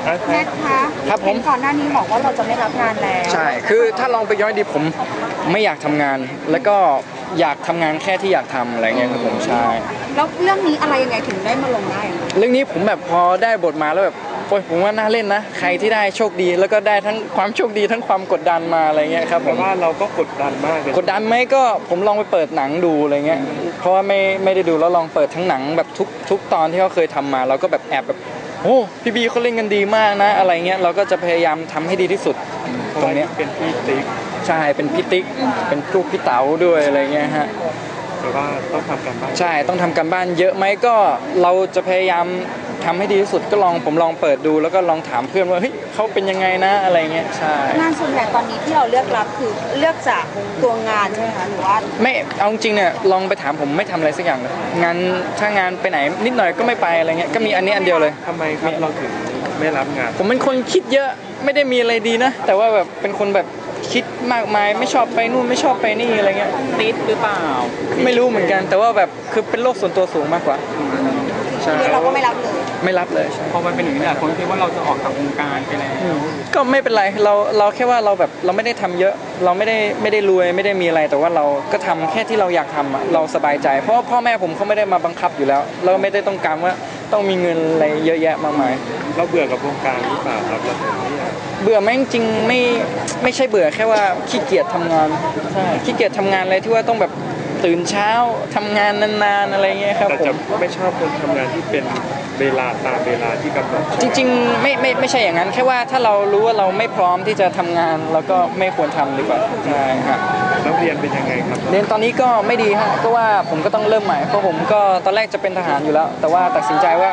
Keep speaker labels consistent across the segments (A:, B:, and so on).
A: แน็กคะ
B: ครับผม
A: ก่อนหน้านี้บอกว่าเราจะไม่รับงานแล้ว
B: ใช่คือถ้าลองไปย้อนดีผมไม่อยากทำงานแล้วก็อยากทำงานแค่ที่อยากทำอะไรเงี้ยครับผมใช่
A: แล้วเรื่องนี้อะไรยังไงถึงได้มาลงได้
B: เรื่องนี้ผมแบบพอได้บทมาแล้วแบบโอ้ยผมว่าน่าเล่นนะใครที่ได้โชคดีแล้วก็ได้ทั้งความโชคดีทั้งความกดดันมาอะไรเงี้ยครับผม
C: ว่าเราก็กดดันมากเลย
B: กดดันไหมก็ผมลองไปเปิดหนังดูอะไรเงี้ยเพราะว่าไม่ได้ดูแล้วลองเปิดทั้งหนังแบบทุกตอนที่เขาเคยทำมาเราก็แบบแอบแบบโอ้พี่บีเขาเล่นกันดีมากนะอะไรเงี้ยเราก็จะพยายามทำให้ดีที่สุดตรงเนี้ย
C: เป็นพี่ติ๊ก
B: ใช่เป็นพี่ติ๊กเป็นลูกพี่เต๋าด้วยอะไรเงี้ยฮะ
C: แต่ว่าต้องทำกันบ้าน
B: ใช่ต้องทำกันบ้านเยอะไหมก็เราจะพยายามทำให้ดีที่สุดก็ผมลองเปิดดูแล้วก็ลองถามเพื่อนว่าเฮ้ยเขาเป็นยังไงนะอะไรเงี้ยใช่
A: งานส่วนใหญ่ตอนนี้ที่เราเลือกรับคือเลือกจากตัวงานใช่ไหมคะหรือว่า
B: ไม่เอาจริงเนี่ยลองไปถามผมไม่ทำอะไรสักอย่างเลยงานถ้างานไปไหนนิดหน่อยก็ไม่ไปอะไรเงี้ยก็มีอันนี้อันเดียวเลย
C: ทำไมครับเราถึงไม่รับงาน
B: ผมเป็นคนคิดเยอะไม่ได้มีอะไรดีนะแต่ว่าแบบเป็นคนแบบคิดมากมายไม่ชอบไปนู่นไม่ชอบไปนี่อะไรเงี้ย
D: ติดหรือเปล่า
B: ไม่รู้เหมือนกันแต่ว่าแบบคือเป็นโลกส่วนตัวสูงมากกว่า
A: ใช่เราก็ไม่รับเลย
B: ไม่รับเลย
D: พอมันเป็นอย่างนี้แหละคนคิดว่าเราจะออกจากวงการไปแล้ว
B: ก็ไม่เป็นไรเราแค่ว่าเราแบบเราไม่ได้ทำเยอะเราไม่ได้รวยไม่ได้มีอะไรแต่ว่าเราก็ทำแค่ที่เราอยากทำเราสบายใจเพราะพ่อแม่ผมเขาไม่ได้มาบังคับอยู่แล้วเราไม่ได้ต้องการว่าต้องมีเงินอะไรเยอะแยะมากมาย
C: เราเบื่อกับวงการหรือเปล่าครับเราถึงไม่อยาก
B: เบื่อไหมจริงไม่ใช่เบื่อแค่ว่าขี้เกียจทำงานใช่ขี้เกียจทำงานอะไรที่ว่าต้องแบบตื่นเช้าทำงานนานๆอะไรเงี้ยครับ
C: แต่จะไม่ชอบคนทำงานที่เป็นเวลาตามเวลาที่กำหนด
B: จริงๆไม่ใช่อย่างนั้นแค่ว่าถ้าเรารู้ว่าเราไม่พร้อมที่จะทำงานเราก็ไม่ควรทำดีกว่าใช่ฮะ
C: แล้วเรียนเป็นยังไงครับ
B: เรียนตอนนี้ก็ไม่ดีฮะก็ว่าผมก็ต้องเริ่มใหม่เพราะผมก็ตอนแรกจะเป็นทหารอยู่แล้วแต่ว่าตัดสินใจว่า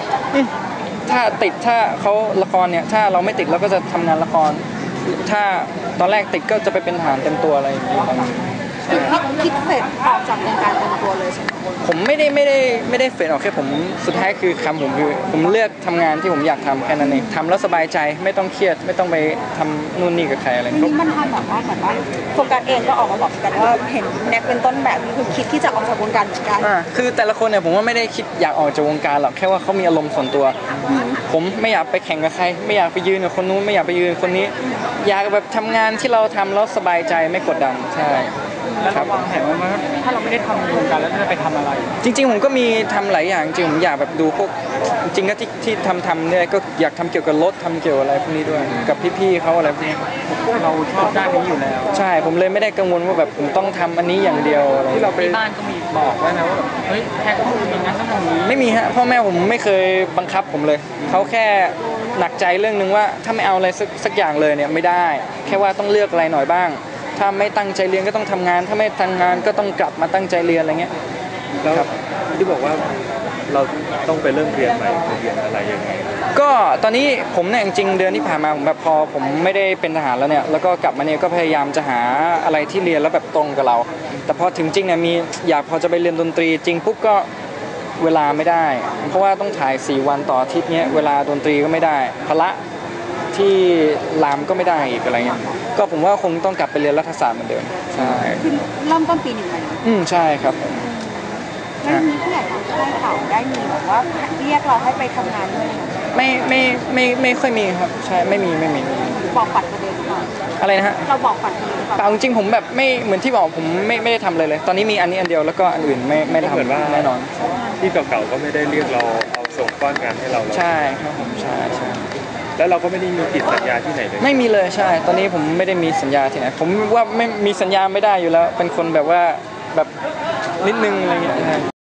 B: ถ้าเขาละครเนี่ยถ้าเราไม่ติดเราก็จะทำงานละครถ้าตอนแรกติดก็จะไปเป็นทหารเต็มตัวอะไรอย่างนี้
A: คิดเสร็จออกจากวงการเต็มตัวเลยใช่ไหม
B: ผมไม่ได้เฟดออกแค่ผมสุดท้ายคือคำผมคือผมเลือกทำงานที่ผมอยากทำแค่นั้นเองทำแล้วสบายใจไม่ต้องเครียดไม่ต้องไปทำนู่นนี่กับใครอะไร
A: นี่มันทำแบบว่าเหมือนว่าโฟกัสเองก็ออกมาบอกกันว่าเห็นแน็กเป็นต้นแบบคือคิดที่จะออกจากวงการเหมือนกัน
B: คือแต่ละคนเนี่ยผมว่าไม่ได้คิดอยากออกจากวงการหรอกแค่ว่าเขามีอารมณ์ส่วนตัวผมไม่อยากไปแข่งกับใครไม่อยากไปยืนกับคนนู้นไม่อยากไปยืนคนนี้อยากแบบทำงานที่เราทำแล้วสบายใจไม่กดดันใช่
D: แล้ววางแผนว่าถ้าเราไม่ได้ทำวงการแล้วจะไปทำอะไร
B: จริงๆผมก็มีทำหลายอย่างจริงผมอยากแบบดูพวกจริงก็ที่ทำเนี่ยก็อยากทำเกี่ยวกับรถทำเกี่ยวอะไรพวกนี้ด้วยกับพี่ๆเขาอะไรพวกนี้
D: เราชอบด้านนี้อยู่แล้ว
B: ใช่ผมเลยไม่ได้กังวลว่าแบบผมต้องทำอันนี้อย่างเดียว
D: ที่เราไปบ้านก็มีบอกไว้นะว่าแบบเฮ้ยแค่ต้องอย่างนั้นต้องอย่างนี้
B: ไม่มีฮะพ่อแม่ผมไม่เคยบังคับผมเลยเขาแค่หนักใจเรื่องนึงว่าถ้าไม่เอาอะไรสักอย่างเลยเนี่ยไม่ได้แค่ว่าต้องเลือกอะไรหน่อยบ้างถ้าไม่ตั้งใจเรียนก็ต้องทำงานถ้าไม่ทำงานก็ต้องกลับมาตั้งใจเรียนอะไรเงี้ย
C: แล้วที่บอกว่าเราต้องไปเริ่มเรียนใหม่เรียนอะไรยังไง
B: ก็ตอนนี้ผมเนี่ยจริงๆเดือนที่ผ่านมาผมแบบพอผมไม่ได้เป็นทหารแล้วเนี่ยแล้วก็กลับมาเนี่ยก็พยายามจะหาอะไรที่เรียนแล้วแบบตรงกับเราแต่พอถึงจริงเนี่ยพอจะไปเรียนดนตรีจริงปุ๊บก็เวลาไม่ได้เพราะว่าต้องถ่าย4 วันต่ออาทิตย์เนี้ยเวลาดนตรีก็ไม่ได้พละที่รามก็ไม่ได้อีกอะไรเงี้ยก็ผมว่าคงต้องกลับไปเรียนรัฐศาสตร์เหมือนเดิมใช่
A: เริ่มต้นปีหนึ่งเลย
B: ใช่ครับ
A: แล้วมีผู้ใหญ่ทางค่ายเขาได้มีแบบว่าเรียกเราให้ไปทำงานด้วย
B: ไม่ค่อยมีครับใช่ไม่มี
A: บอกปัดประเด็นหรือเปล่า
B: อะไรนะฮะ
A: เราบอกปัดประเด็นหรือเปล่า
B: เปล่าจริงผมแบบไม่เหมือนที่บอกผมไม่ได้ทำเลยตอนนี้มีอันนี้อันเดียวแล้วก็อันอื่นไม่ทำแน่นอน
C: ที่เก่าๆก็ไม่ได้เรียกเราเอาส่งก้อนงานให้เรา
B: ใช่ครับผมใช่
C: แล้วเราก็ไม่ได้มีติดสัญญาที่ไหนเลย
B: ไม่มีเลยใช่ตอนนี้ผมไม่ได้มีสัญญาที่ไหนผมว่าไม่มีสัญญาไม่ได้อยู่แล้วเป็นคนแบบว่าแบบนิดนึงอะไรเงี้ย